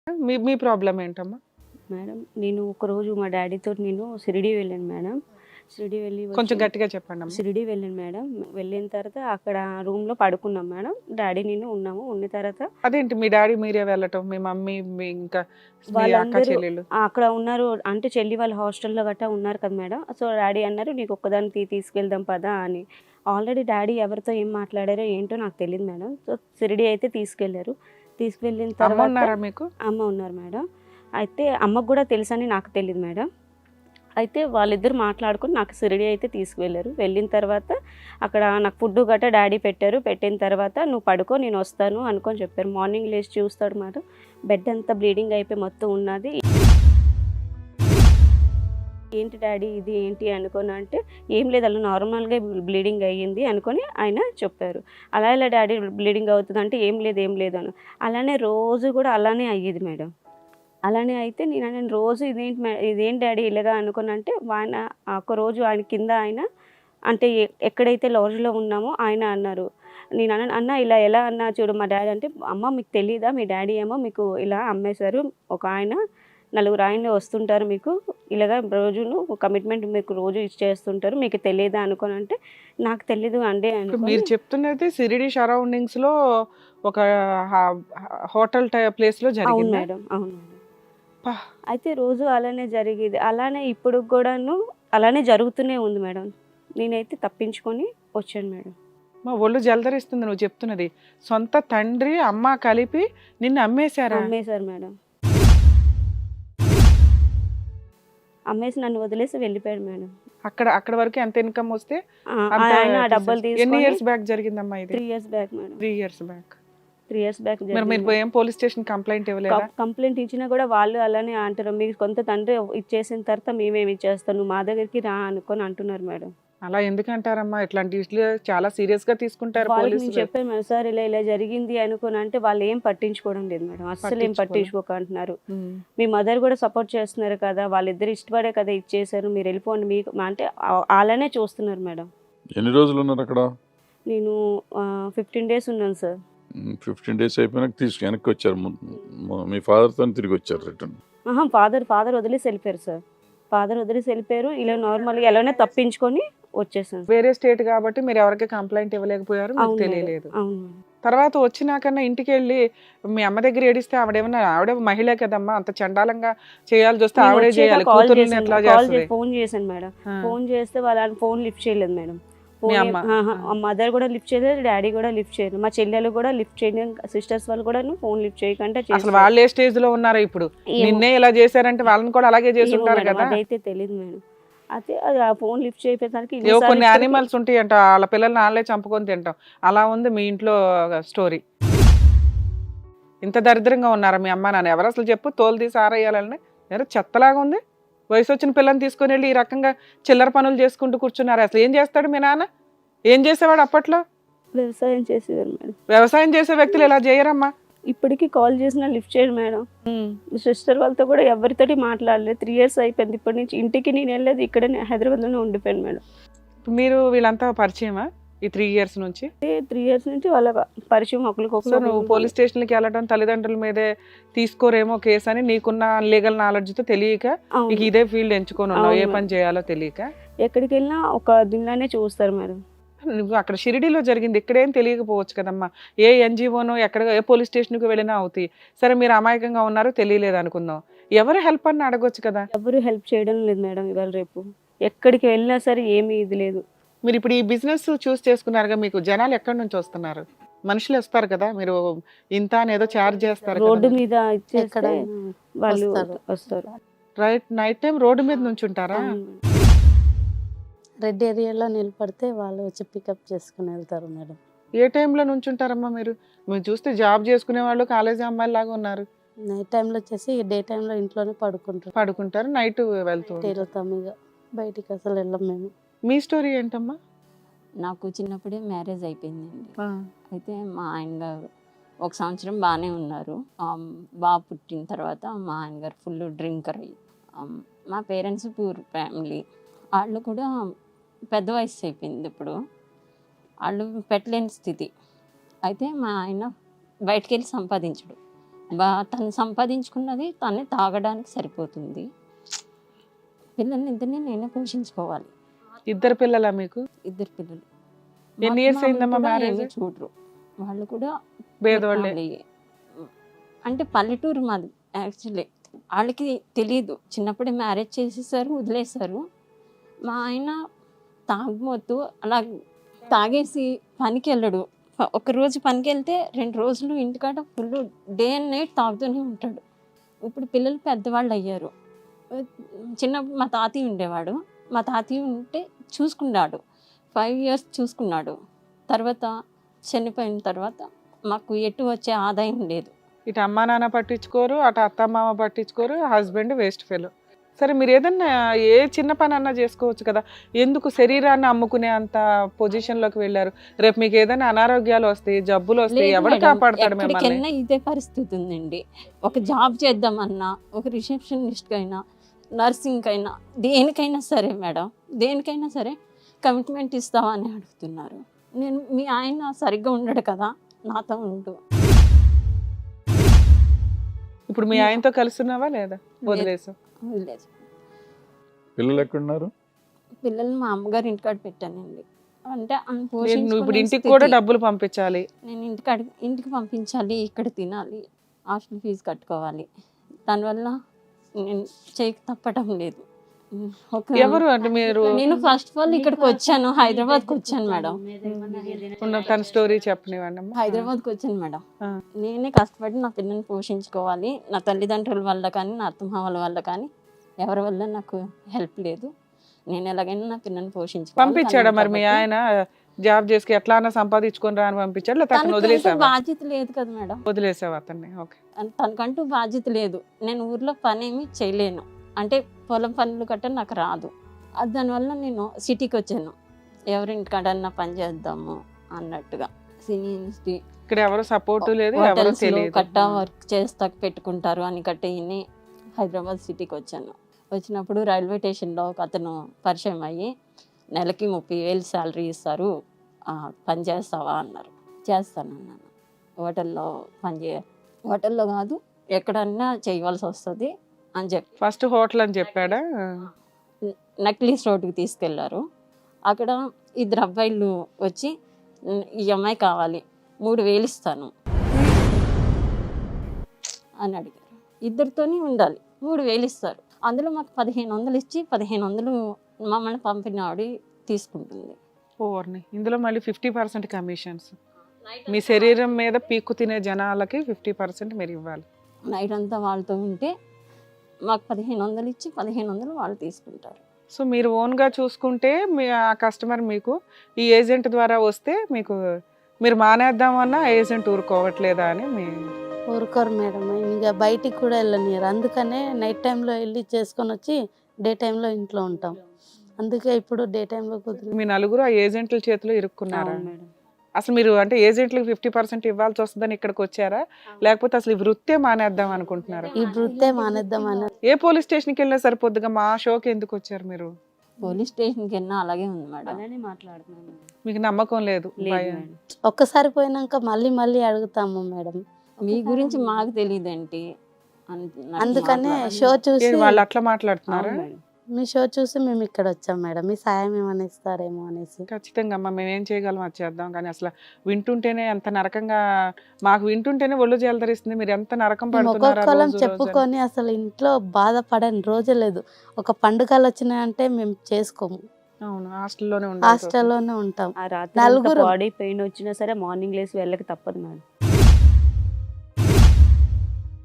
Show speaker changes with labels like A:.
A: మీ మీ problem ఏంటమ్మా?
B: Madam నేను ఒకరోజు మా డాడీతో నేను షిరిడీ వెళ్ళాను మేడం. షిరిడీ వెళ్ళి
A: కొంచెం గట్టిగా చెప్పండి అమ్మా.
B: షిరిడీ వెళ్ళాను మేడం. వెళ్ళిన తర్వాత అక్కడ రూమ్లో పడుకున్నాం మేడం. డాడీ నేను ఉన్నాము. ఉన్న తర్వాత
A: అదేంటి మీ డాడీ మీరే వెళ్ళటం, మీ మమ్మీ మీ ఇంకా మీ అక్క
B: వాళ్ళందరూ
A: చెల్లెలు?
B: అక్కడ ఉన్నారు. అంటే చెల్లి వాళ్ళ హాస్టల్లో గట్టా ఉన్నారు కదా మేడం. సో డాడీ అన్నారు నీకు ఒక్కదాన్ని తీసుకెళ్దాం పదా అని. ఆల్రెడీ డాడీ ఎవరితో ఏం మాట్లాడారో ఏంటో నాకు తెలియదు మేడం. సో షిరిడీ అయితే తీసుకెళ్లారు. తీసుకెళ్ళిన
A: అమ్మ
B: తర్వాత
A: ఉన్నారా మీకు?
B: అమ్మ ఉన్నారు మేడం. అయితే అమ్మకు కూడా తెలుసని నాకు తెలియదు మేడం. అయితే వాళ్ళిద్దరు మాట్లాడుకొని నాకు షిరిడీ అయితే తీసుకువెళ్ళారు. వెళ్ళిన తర్వాత అక్కడ నాకు ఫుడ్ గట్రా డాడీ పెట్టారు. పెట్టిన తర్వాత నువ్వు పడుకో నేను వస్తాను అనుకొని చెప్పారు. మార్నింగ్ లేచి చూస్తాడు మేడం, బెడ్ అంతా బ్లీడింగ్ అయిపోయి మొత్తం ఉన్నది. ఏంటి డాడీ ఇది ఏంటి అనుకొని అంటే ఏం లేదు అలా నార్మల్గా బ్లీడింగ్ అయ్యింది అనుకొని ఆయన చెప్పారు. అలా ఇలా డాడీ బ్లీడింగ్ అవుతుంది అంటే ఏం లేదు అని. అలానే రోజు కూడా అలానే అయ్యేది మేడం. అలానే అయితే నేను రోజు ఇదేంటి డాడీ ఇలాగా అనుకుని అంటే ఆయన ఒకరోజు ఆయన కింద ఆయన అంటే ఎక్కడైతే లాడ్జ్లో ఉన్నామో ఆయన అన్నారు. నేను అన్న ఇలా ఎలా అన్నా చూడు మా డాడీ అంటే అమ్మ మీకు తెలీదా మీ డాడీ ఏమో మీకు ఇలా అమ్మేశారు, ఒక ఆయన 4 ఆయనలు వస్తుంటారు మీకు ఇలాగా రోజును కమిట్మెంట్ మీకు రోజు ఇచ్చేస్తుంటారు మీకు తెలియదా అనుకోని అంటే నాకు తెలీదు అండి
A: ఇప్పుడు మీరు చెప్తున్నది షిరిడి సరౌండింగ్స్ లో ఒక హోటల్ ప్లేస్ లో
B: అవును
A: జరిగింది.
B: మేడం, అవును మేడం. అయితే రోజు అలానే జరిగేది. అలానే ఇప్పుడు కూడాను అలానే జరుగుతూనే ఉంది మేడం. నేనైతే తప్పించుకొని వచ్చాను మేడం.
A: మా ఒళ్ళు జలదరిస్తుంది నువ్వు చెప్తున్నది. సొంత తండ్రి అమ్మ కలిపి నిన్ను అమ్మేశారా?
B: అమ్మేశారు మేడం. అమ్మేసి నన్ను వదిలేసి వెళ్ళిపోయాడు మేడం.
A: అక్కడ వరకు ఎంత ఇన్కమ్ వస్తే
B: ఆయన డబ్బులు
A: ఎన్ని
B: తీసుకొని
A: ఇయర్స్ బ్యాక్ జరిగిందమ్మా ఇది?
B: 3 years back madam.
A: 3 years back.
B: 3 years back
A: మరి మీరు ఏం పోలీస్ స్టేషన్ కంప్లైంట్ ఇవ్వలేదా?
B: కంప్లైంట్ ఇచ్చినా కూడా వాళ్ళు అలానే అంటారు, మీకు కొంత తండ్రి ఇచ్చేసిన తర్వాత మేమేమి ఇచ్చేస్తాం, నువ్వు మా దగ్గరికి రా అనుకొని అంటున్నారు మేడం.
A: అలా ఎందుకు అంటారమ్మా? ఇట్లాంటి విషయాలు చాలా సీరియస్ గా తీసుకుంటారు
B: వాళ్ళకి నేను
A: పోలీసులు.
B: చెప్పాను మేడం, సార్ ఇలా జరిగింది అనుకుని అంటే వాళ్ళు ఏం పట్టించుకోవడం లేదు మేడం, అస్సలు ఏం పట్టించుకోక అంటున్నారు. మీ మదర్ కూడా సపోర్ట్ చేస్తున్నారు కదా, వాళ్ళిద్దరు ఇష్టపడే కదా ఇచ్చేసారు, మీరు వెళ్ళిపోండి మీకు అంటే అలానే చూస్తున్నారు మేడం.
C: ఎన్ని రోజులు ఉన్నారు అక్కడ?
B: నేను 15 days ఉన్నాను సార్.
C: 15 days అయిపోయినాక వెనక్కి వచ్చారు. మీ ఫాదర్తో తిరిగి వచ్చారు రిటర్న్?
B: ఫాదర్ వదిలేసి వెళ్ళిపోయారు సార్. ఫాదర్ వదిలేసి వెళ్ళిపోయారు. ఇలా నార్మల్గా ఎలానే తప్పించుకొని వచ్చేసాను.
A: వేరే స్టేట్ కాబట్టి మీరు ఎవరికి కంప్లైంట్ ఇవ్వలేకపోయారు, మీకు తెలియలేదు.
B: అవును.
A: తర్వాత వచ్చినాకన్నా ఇంటికి వెళ్ళి మీ అమ్మ దగ్గర ఏడిస్తే ఆవిడ మహిళ కదమ్మా, అంత చండాలంగా చేయాల్సి వస్తే ఆవిడే చేయాలి. కూతుర్ని ఎట్లా చేస్తుంది?
B: ఫోన్ చేశాను మేడం. ఫోన్ చేస్తే వాళ్ళ ఫోన్ లిఫ్ట్ చేయలేదు మేడం.
A: మీ అమ్మ?
B: మదర్ కూడా లిఫ్ట్ చేయలేదు, డాడీ కూడా లిఫ్ట్ చేయలేదు, మా చెల్లెలు కూడా లిఫ్ట్ చేయలేదు, సిస్టర్స్ వాళ్ళు కూడా ఫోన్ లిఫ్ట్ చేయకుండా
A: అసలు వాళ్ళు ఏ స్టేజ్ లో ఉన్నారో ఇప్పుడు నిన్నే ఇలా చేశారంటే వాళ్ళని కూడా అలాగే చేసి ఉంటారు కదా.
B: అదైతే తెలియదు మేడం. అయితే అది ఆ ఫోన్ లిఫ్ట్ చేయడానికి
A: కొన్ని యానిమల్స్ ఉంటాయి అంట, వాళ్ళ పిల్లల్ని వాళ్ళే చంపుకొని తింటాం. అలా ఉంది మీ ఇంట్లో స్టోరీ. ఇంత దరిద్రంగా ఉన్నారా మీ అమ్మ నాన్న? ఎవరు అసలు చెప్పు, తోలు తీసి ఆరేయాలని ఎవరు చెత్తలాగా ఉంది. వయసు వచ్చిన పిల్లని తీసుకొని వెళ్ళి ఈ రకంగా చిల్లర పనులు చేసుకుంటూ కూర్చున్నారు. అసలు ఏం చేస్తాడు మీ నాన్న? ఏం చేసేవాడు అప్పట్లో?
B: వ్యవసాయం చేసేవారు మేడం.
A: వ్యవసాయం చేసే వ్యక్తులు ఇలా చేయరమ్మా.
B: ఇప్పటికీ కాల్ చేసినా లిఫ్ట్ చేయడు మేడం. సిస్టర్ వాళ్ళతో కూడా ఎవరితోటి మాట్లాడలేదు. 3 years అయిపోయింది. ఇప్పటి నుంచి ఇంటికి నేను వెళ్ళలేదు, ఇక్కడనే హైదరాబాద్లోనే ఉండిపోయాను మేడం.
A: మీరు వీళ్ళంతా పరిచయమా ఈ 3 years నుంచి?
B: 3 years నుంచి వాళ్ళ పరిచయం ఒకరికొకరు.
A: నువ్వు పోలీస్ స్టేషన్కి వెళ్ళడం తల్లిదండ్రుల మీదే తీసుకోరేమో కేసు అని నీకున్న లీగల్ నాలెడ్జ్తో తెలియక నీకు ఇదే ఫీల్డ్ ఎంచుకొని ఉన్నావు, ఏ పని చేయాలో తెలియక.
B: ఎక్కడికి వెళ్ళినా ఒక దీనిలోనే చూస్తారు మేడం.
A: నువ్వు అక్కడ షిరిడీలో జరిగింది ఇక్కడేం తెలియకపోవచ్చు కదమ్మా. ఏ ఎన్జిఓనో ఎక్కడ ఏ పోలీస్ స్టేషన్కి వెళ్ళినా అవుతాయి. సరే మీరు అమాయకంగా ఉన్నారు, తెలియలేదు అనుకుందాం, ఎవరు హెల్ప్ అని అడగొచ్చు కదా.
B: ఎవరు హెల్ప్ చేయడం లేదు మేడం. ఇవాళ రేపు ఎక్కడికి వెళ్ళినా సరే ఏమీ ఇది లేదు.
A: మీరు ఇప్పుడు ఈ బిజినెస్ చూస్ చేసుకున్నారుగా, మీకు జనాలు ఎక్కడి నుంచి వస్తున్నారు? మనుషులు వస్తారు కదా, మీరు ఇంత అని ఏదో ఛార్జ్ చేస్తారు,
B: రోడ్డు మీద ఇచ్చేస్తే వాళ్ళు వస్తారు.
A: రైట్, నైట్ టైం రోడ్డు మీద నుంచి ఉంటారా?
D: రెడ్ ఏరియాలో నిలబడితే వాళ్ళు వచ్చి పికప్ చేసుకుని వెళ్తారు మేడం.
A: ఏ టైంలో నుంచి ఉంటారమ్మా మీరు? మీరు చూస్తే జాబ్ చేసుకునే వాళ్ళు కాలేజీ అమ్మాయిలు లాగా ఉన్నారు.
D: నైట్ టైంలో వచ్చేసి డే టైంలో ఇంట్లోనే
A: పడుకుంటారు, నైట్ వెళ్తాం.
D: ఇక బయటికి అసలు వెళ్ళం మేము.
A: మీ స్టోరీ ఏంటమ్మా?
E: నాకు చిన్నప్పుడే మ్యారేజ్ అయిపోయిందండి. అయితే మా ఆయన గారు 1 సంవత్సరం బాగానే ఉన్నారు. బాబు పుట్టిన తర్వాత మా ఆయన గారు ఫుల్ డ్రింకర్ అయ్యి, మా పేరెంట్స్ పూర్ ఫ్యామిలీ, వాళ్ళు కూడా పెద్ద వయసు అయిపోయింది. ఇప్పుడు వాళ్ళు పెట్టలేని స్థితి. అయితే మా ఆయన బయటికి వెళ్ళి సంపాదించడు, తను సంపాదించుకున్నది తనే తాగడానికి సరిపోతుంది. పిల్లల్ని ఇద్దరిని నేనే పోషించుకోవాలి.
A: ఇద్దరు పిల్లలా మీకు?
E: ఇద్దరు పిల్లలు.
A: ఎన్ని years అయిందమ్మా
E: కూడా
A: మ్యారేజ్?
E: ఏమీ చూడరు, వాళ్ళు కూడా
A: పేదవాళ్ళే.
E: వాళ్ళే. అంటే పల్లెటూరు మాది యాక్చువల్లీ. వాళ్ళకి తెలియదు, చిన్నప్పుడే మ్యారేజ్ చేసేసారు, వదిలేశారు. మా ఆయన తాగుమోతు అలా తాగేసి పనికి వెళ్ళడు. ఒక రోజు పనికి వెళ్తే 2 రోజులు ఇంటికాడ ఫుల్ డే అండ్ నైట్ తాగుతూనే ఉంటాడు. ఇప్పుడు పిల్లలు పెద్దవాళ్ళు అయ్యారు. చిన్నప్పుడు మా తాతయ్య ఉండేవాడు, మా తాతయ్య ఉంటే చూసుకున్నాడు, 5 years చూసుకున్నాడు. తర్వాత చనిపోయిన తర్వాత మాకు ఎటు వచ్చే ఆదాయం లేదు.
A: ఇటు అమ్మా నాన్న పట్టించుకోరు, అటు అత్త మామ పట్టించుకోరు, హస్బెండ్ వేస్ట్ ఫెలో. సరే మీరు ఏదన్నా ఏ చిన్న పని అన్నా చేసుకోవచ్చు కదా, ఎందుకు శరీరాన్ని అమ్ముకునే అంత పొజిషన్లోకి వెళ్ళారు? రేపు మీకు ఏదైనా అనారోగ్యాలు వస్తాయి, జబ్బులు వస్తాయి,
E: లేదు
A: ఎవరు
E: మేడం,
A: కాపాడతాడు మిమ్మల్ని?
E: ఎక్కడికైనా ఇదే పరిస్థితి ఉందండి. ఒక జాబ్ చేద్దామన్నా, ఒక రిసెప్షనిస్ట్ అయినా, నర్సింగ్ అయినా, దేనికైనా సరే మేడం, దేనికైనా సరే కమిట్మెంట్ ఇస్తావా అని అడుగుతున్నారు. నేను మీ ఆయన సరిగ్గా ఉండడు కదా, నాతో ఉండు.
A: ఇప్పుడు మీ ఆయనతో కలుస్తున్నావా లేదా? వదిలేసా?
E: వదిలేదు.
C: పిల్లలు ఎక్కడున్నారు?
E: పిల్లల్ని మా అమ్మగారి ఇంటికాడ పెట్టానండి. అంటే ఆమె
A: నువ్వు ఇప్పుడు
E: పోషించుకునే
A: ఇంటికి
E: స్థితి.
A: కూడా డబ్బులు పంపించాలి.
E: నేను ఇంటికి పంపించాలి, ఇక్కడ తినాలి, హాస్టల్ ఫీజు కట్టుకోవాలి. దానివల్ల నేను చేయక తప్పటం లేదు.
A: ఎవరు అంటే మీరు?
E: నేను ఫస్ట్ ఆఫ్ ఆల్ ఇక్కడికి వచ్చాను, హైదరాబాద్కి వచ్చాను మేడం.
A: ఉన్న తన స్టోరీ చెప్పనివ్వండి అమ్మా.
E: హైదరాబాద్కి వచ్చాను మేడం.
A: ఆ.
E: నేనే కష్టపడి నా పిల్లల్ని పోషించుకోవాలి. నా తల్లిదండ్రుల వల్ల కానీ, నా అత్తమామల వల్ల కానీ, ఎవరి వల్ల నాకు హెల్ప్ లేదు. నేను ఎలాగైనా నా పిల్లల్ని పోషించుకోవాలి.
A: పంపించాడా మరి మీ ఆయన? జాబ్ చేసి ఎట్లా అన్నా సంపాదించుకొని రా అని పంపించాడు, లేకపోతే అతను
E: తనకంటూ
A: వదిలేసావా?
E: బాధ్యత లేదు కదా మేడం.
A: వదిలేసావు అతన్ని. ఓకే.
E: తనకంటూ బాధ్యత లేదు. నేను ఊర్లో పని ఏమి చేయలేను, అంటే పొలం పనులు గట్ట నాకు రాదు. దానివల్ల నేను సిటీకి వచ్చాను, ఎవరింటికాడన్నా పని చేద్దాము అన్నట్టుగా. సినీ ఇండస్ట్రీ
A: ఇక్కడ ఎవరు సపోర్ట్ లేదు, ఎవరు
E: హోటల్స్లో
A: తెలియదు.
E: కట్టా వర్క్ చేస్తా పెట్టుకుంటారు అని కట్టేయని హైదరాబాద్ సిటీకి వచ్చాను. వచ్చినప్పుడు రైల్వే స్టేషన్లో ఒక అతను పరిచయం అయ్యి, నెలకి 30,000 శాలరీ ఇస్తారు, పని చేస్తావా అన్నారు. చేస్తానన్నాను. హోటల్లో హోటల్లో కాదు, ఎక్కడన్నా చేయవలసి వస్తుంది అని చెప్పి
A: ఫస్ట్ హోటల్ అని చెప్పాడా?
E: నక్లీస్ రోడ్డుకి తీసుకెళ్లారు. అక్కడ 2 అబ్బాయిలు వచ్చి, ఈ అమ్మాయి కావాలి, 3,000 ఇస్తాను అని అడిగారు. ఇద్దరితోనే ఉండాలి, 3,000 ఇస్తారు. అందులో మాకు 1,500 ఇచ్చి 1,500 మమ్మల్ని పంపిన ఆవిడ తీసుకుంటుంది.
A: ఓర్ని, ఇందులో మళ్ళీ 50% కమిషన్స్. మీ శరీరం మీద పీక్కు తినే జనాలకి 50% మీరు ఇవ్వాలి.
E: నైట్ అంతా వాళ్ళతో ఉంటే మాకు 1,500 ఇచ్చి 1,500 వాళ్ళు తీసుకుంటారు.
A: సో మీరు ఓన్గా చూసుకుంటే మీ ఆ కస్టమర్ మీకు ఈ ఏజెంట్ ద్వారా వస్తే మీకు మీరు మానేద్దామన్నా ఏజెంట్ ఊరుకోవట్లేదా అని మీ
D: ఊరుకోరు మేడం, ఇంకా బయటికి కూడా వెళ్ళనియరు. అందుకనే నైట్ టైంలో వెళ్ళి చేసుకొని వచ్చి డే టైంలో ఇంట్లో ఉంటాం. అందుకే ఇప్పుడు డే టైంలో కుదిరి
A: మీ నలుగురు ఆ ఏజెంట్ల చేతిలో ఇరుక్కున్నారా? అసలు మీరు అంటే ఏజెంట్లకు 50% ఇవ్వాల్సి వస్తుందని ఇక్కడికి వచ్చారా, లేకపోతే అసలు ఈ వృత్తే మానేద్దాం అనుకుంటున్నారా?
D: ఈ వృత్తే మానేద్దామని.
A: ఏ పోలీస్ స్టేషన్కి వెళ్ళినా సరిపోద్దుగా, మా షోకి ఎందుకు వచ్చారు మీరు?
E: పోలీస్ స్టేషన్కి వెళ్ళినా అలాగే ఉంది మేడం.
A: మీకు నమ్మకం లేదు? భయం.
D: ఒక్కసారి పోయినాక మళ్ళీ మళ్ళీ అడుగుతాము మేడం.
E: మీ గురించి మాకు తెలియదేంటి
D: అందుకనే షో చూసి
A: ఏంటి వాళ్ళు అట్లా మాట్లాడుతున్నారా?
D: మీ షో చూసి మేము ఇక్కడ వచ్చాం మేడం, మీ సాయం ఏమైనా ఇస్తారేమో అనేసి.
A: ఖచ్చితంగా అమ్మా, మేము ఏం చేయగలం అది చేద్దాం. కానీ అసలు వింటుంటేనే ఎంత నరకంగా, మాకు వింటుంటేనే ఒళ్ళు జలదరిస్తుంది. మీరు ఎంత నరకం
D: మేము
A: పడుతున్నారా
D: ఒక్కొక్కలం
A: రోజు రోజు అని.
D: చెప్పుకొని అసలు ఇంట్లో బాధపడని రోజే లేదు. ఒక పండుగలు వచ్చినాయంటే మేము చేసుకోము,
A: అవును, హాస్టల్లోనే ఉండాలి.
D: హాస్టల్లోనే ఉంటాం.
B: ఆ రాత్రి
D: నలుగురు.
B: బాడీ పెయిన్ వచ్చినా సరే మార్నింగ్ లేసి వెళ్ళక తప్పదు మేడం.